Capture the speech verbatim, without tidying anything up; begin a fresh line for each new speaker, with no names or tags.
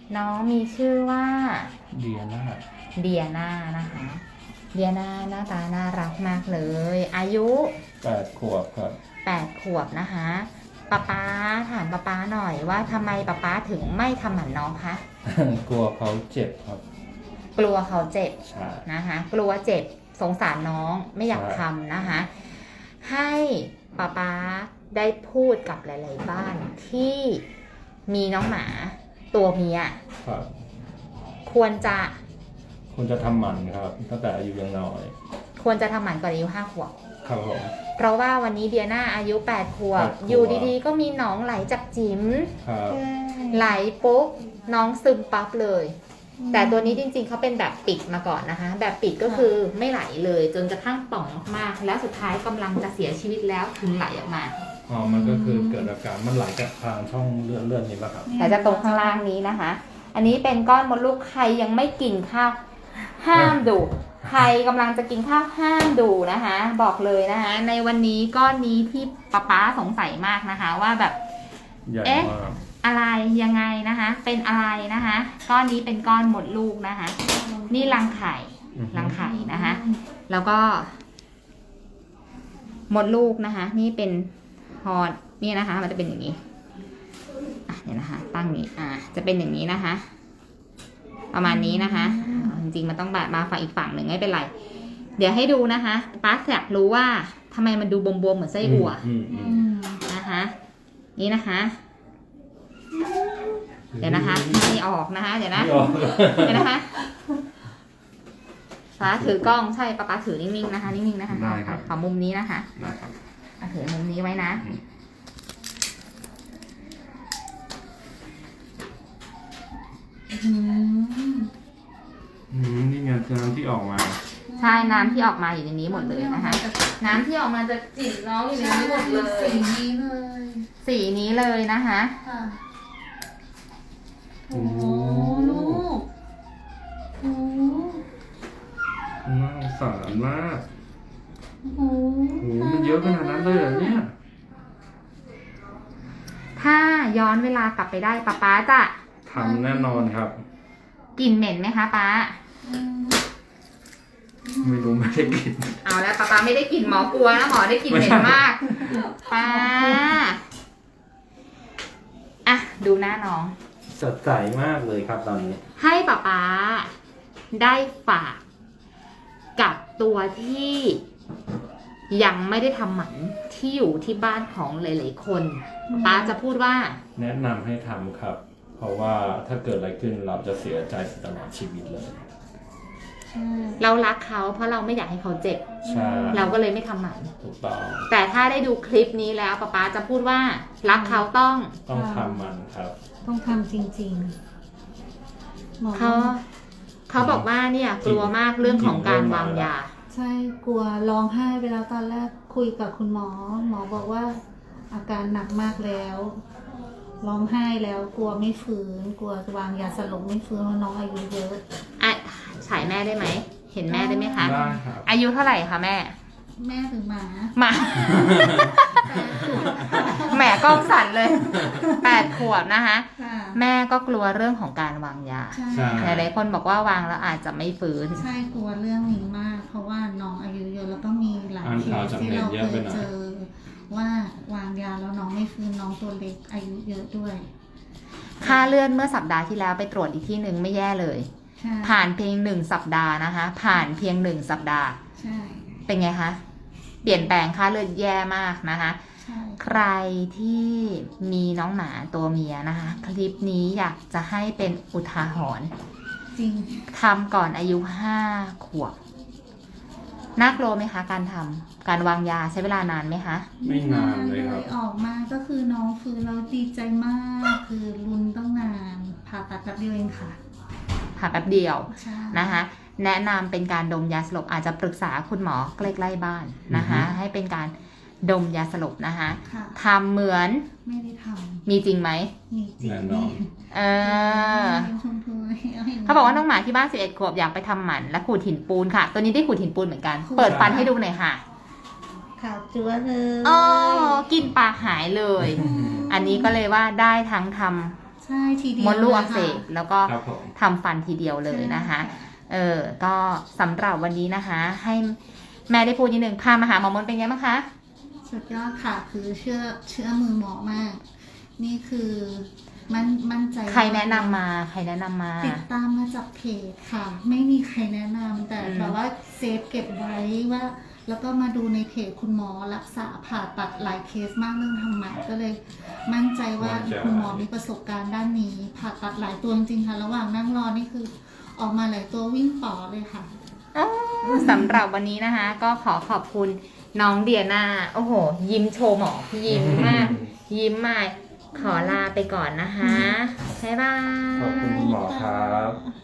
น้องมีชื่อว่า
เดียน่า
เดียนานะคะเดียนาหน้าตาน่ารักมากเลย อายุ
แปดขวบครับ
แปดขวบนะคะป๊าป๊าถามป๊าป๊าหน่อยว่าทำไมป๊าป๊าถึงไม่ทำหมันน้องคะ
กลัวเขาเจ็บครับ
กลัวเขาเจ็บ
ใช่
นะคะกลัวเจ็บสงสารน้องไม่อยาก
ใช่
ทำนะคะให้ป๊าป๊าได้พูดกับหลายๆบ้านที่มีน้องหมาตัวเมีย
ครับ
ควรจะ
คุณจะทำหมันครับตั้งแต่อายุยังน้อย
ควรจะทำหมันก่อนอายุห้าขวบ
ครับผม
เพราะว่าวันนี้เดียนาอายุแปดขวบ
แปดขวบ
อยู่ดีๆ ก็มีหนองไหลจากจิ๋ม
ครับ
ไหลปุ๊บน้องซึมปั๊บเลย แต่ตัวนี้จริงๆเขาเป็นแบบปิดมาก่อนนะคะ แบบปิดก็คือไม่ไหลเลยจนกระทั่งป่องมากๆแล้วสุดท้ายกำลังจะเสียชีวิตแล้วถึงไหลออกมา
อ๋อมันก็คือเกิดอาการมันไหลจากทางช่องเลือดเลือดนี้ป่ะครับ
แต่จะตรงข้างล่างนี้นะคะ อันนี้เป็นก้อนมดลูกใครยังไม่กินข้าวห้ามดู ใครกำลังจะกินข้าวห้ามดูนะคะ บอกเลยนะคะ ในวันนี้ก้อนนี้ที่ป๊าป๊าสงสัยมากนะคะ ว่าแบบ
ใหญ่
เอ๊ะ
มาก
อะไรยังไงนะคะ เป็นอะไรนะคะ ก้อนนี้เป็นก้อนมดลูกนะคะ นี่รังไข่
อือฮึ
รังไข่นะคะ แล้วก็มดลูกนะคะ นี่เป็นฮอดนี่นะคะ มันจะเป็นอย่างนี้อ่ะเดี๋ยวนะคะ ตั้งนี้อ่าจะเป็นอย่างนี้นะคะ ประมาณนี้นะคะอ่าจริงๆมันต้องแบบมาฝั่งอีกฝั่งหนึ่งไม่เป็นไร เดี๋ยวให้ดูนะคะป้าอยากรู้ว่าทำไมมันดูบวมๆเหมือนไส้อั่ว
อืมอืม
อืม
นะคะ นี่นะคะ เดี๋ยวนะคะไม่ออกนะคะ เดี๋ยวนะ
ไม่ออก
เดี๋ยวนะคะป้าถือกล้องใช่ป้าป้าถือนิ่งๆนะคะนิ่งๆนะคะ
ได้ครับ
ขอมุมนี้นะคะ
ได้ครับ
อ่ะถือมุมนี้ไว้นะ
อืม
อืมนี่ไงน้ำที่ออกมา
ใช่น้ำที่ออกมาอยู่ในนี้หมดเลยนะคะ น้ำที่ออกมาจะจิ๋มน้องอยู่ในนี้หมดเลย
สีนี้เลย
สีนี้เลยนะคะ
ค่ะโอ้โหลูกโอ้
น่าสงสารมาก
โห
โอ้โหมันเยอะขนาดนั้นเลยเหรอเนี่ย
ถ้าย้อนเวลากลับไปได้ป้าป้าจะ
ทำแน่นอนครับ
กลิ่นเหม็นไหมคะป้า
อืม
ไม่รู้ไม่ได้กิน
เอาแล้วป้าป้าไม่ได้กลิ่นหมอกลัวนะหมอได้กลิ่นเหม็นมากป้าอ่ะดูหน้าน้อง
สดใสมากเลยครับตอนนี้
ให้ป้าป๊าได้ฝากกับตัวที่ยังไม่ได้ทำหมันที่อยู่ที่บ้านของหลายๆคนป้าจะพูดว่า
แนะนำให้ทำครับ เพราะว่าถ้าเกิดอะไรขึ้นเราจะเสียใจตลอดชีวิตเลย
ใช่
เรารักเขาเพราะเราไม่อยากให้เขาเจ็บ
ใช่
เราก็เลยไม่ทำหมัน
ถูกต้อง
แต่ถ้าได้ดูคลิปนี้แล้วป้าป๊าจะพูดว่า รักเขาต้อง
ต้องทำมันครับ
ต้องทำจริงๆหมอ
เขาเขาบอกว่าเนี่ยกลัวมากเรื่องของการวางยา
ใช่กลัวร้องไห้ไปแล้วตอนแรกคุยกับคุณหมอ หมอบอกว่าอาการหนักมากแล้วร้องไห้แล้วกลัวไม่ฟื้น กลัวจะวางยาสลบไม่ฟื้นเพราะน้องอายุเยอะ
อ่ะฉายแม่ได้ไหม เห็นแม่ได้ไหมคะ
ได้ครับ
อายุเท่าไหร่คะแม่
แม่ถึงหมา
หมา แหมกล้องสั่นเลย แปดขวบนะคะ
ค่ะ
แม่ก็กลัวเรื่องของการวางยา
ใช่
ใช่
หลายๆคนบอกว่าวางแล้วอาจจะไม่ฟื้น
ใช่กลัวเรื่องนี้มาก เพราะว่าน้องอายุเยอะแล้วก็มีหลาย
อ่าน
เค
ข่าว
ส
จาก
ที่
เน็ต
เรา
เย
เค
อะไป
ย
หน่อย
เจอ ว่าวางยาแล้วน้องไม่ฟื้นน้องตัวเล็กอายุเยอะด้วย
ค่าเลือดเมื่อสัปดาห์ที่แล้วไปตรวจอีกที่หนึ่งไม่แย่เลย
ใช่
ผ่านเพียงหนึ่งสัปดาห์นะคะ ผ่านเพียงหนึ่งสัปดาห์
ใช่
เป็นไงคะ เปลี่ยนแปลงค่าเลือดแย่มากนะคะ
ใช่
ใครที่มีน้องหมาตัวเมียนะคะ คลิปนี้อยากจะให้เป็นอุทาหรณ์
จริง
ทำก่อนอายุห้าขวบ น่ากลัวไหมคะ การทำการวางยาใช้เวลานานไหมคะ
ไม่นานเลยครับ
ออกมาก็คือน้องฟื้นแล้วดีใจมาก คือรุนต้องนานผ่าตัดแป๊บเดียวเองค่ะ
ผ่าแป๊บเดียว
ใช่
นะคะ แนะนำเป็นการดมยาสลบอาจจะปรึกษาคุณหมอใกล้ๆบ้านนะคะ
อือฮึ
ให้เป็นการดมยาสลบนะคะ
ค่ะ
ทำเหมือน
ไม่ได้ท
มีจริงไหม
ำมีจริง
แน่นอน
เออ
เป็นชมพูให้ให้
เขาบอกว่าน้องหมาที่บ้านสิบเอ็ดขวบอยากไปทำหมันและขูดหินปูนค่ะ ตัวนี้ได้ขูดหินปูนเหมือนกัน เปิดฟันให้ดูหน่อยค่ะ
ขาวจั๊วเลย
อ๋อกินปากหายเลย อันนี้ก็เลยว่าได้ทั้งทำ
ใช่ทีเดียว
มดลูกอักเส
ลย
บ
ค่ะ
แล้วก็
ครับผม
ทำฟันทีเดียวเลยนะคะ
ใช่
เออ ก็สำหรับวันนี้นะคะ ให้แม่ได้พูดนิดนึงพามาหาหมอมดเป็นไงบ้างคะ
สุดยอดค่ะ คือเชื่อเชื่อมือหมอมาก นี่คือมันมั่นใจ
ใครแนะนำมา ใครแนะนำมา
ติดตามมาจากเพจค่ะ ไม่มีใครแนะนำแต่
อืม
แบบว่าเซฟเก็บไว้ว่า แล้วก็มาดูในเพจคุณหมอรักษาผ่าตัดหลายเคสมากเรื่องทำหมันก็เลย มั่นใจว่า
มั่นใจ
คุณหมอมีประสบการณ์ด้านนี้ ผ่าตัดหลายตัวจริงๆค่ะ ระหว่างนั่งรอนี่คือ ออกมาหลายตัววิ่งป๋อเลยค่ะ
อ๋อสำหรับวันนี้นะคะ ก็ขอขอบคุณน้องเดียนาโอ้โห ยิ้มโชว์หมอยิ้มมาก ยิ้มมาก ขอลาไปก่อนนะคะ บ๊ายบาย
ขอบคุณคุณหมอครับ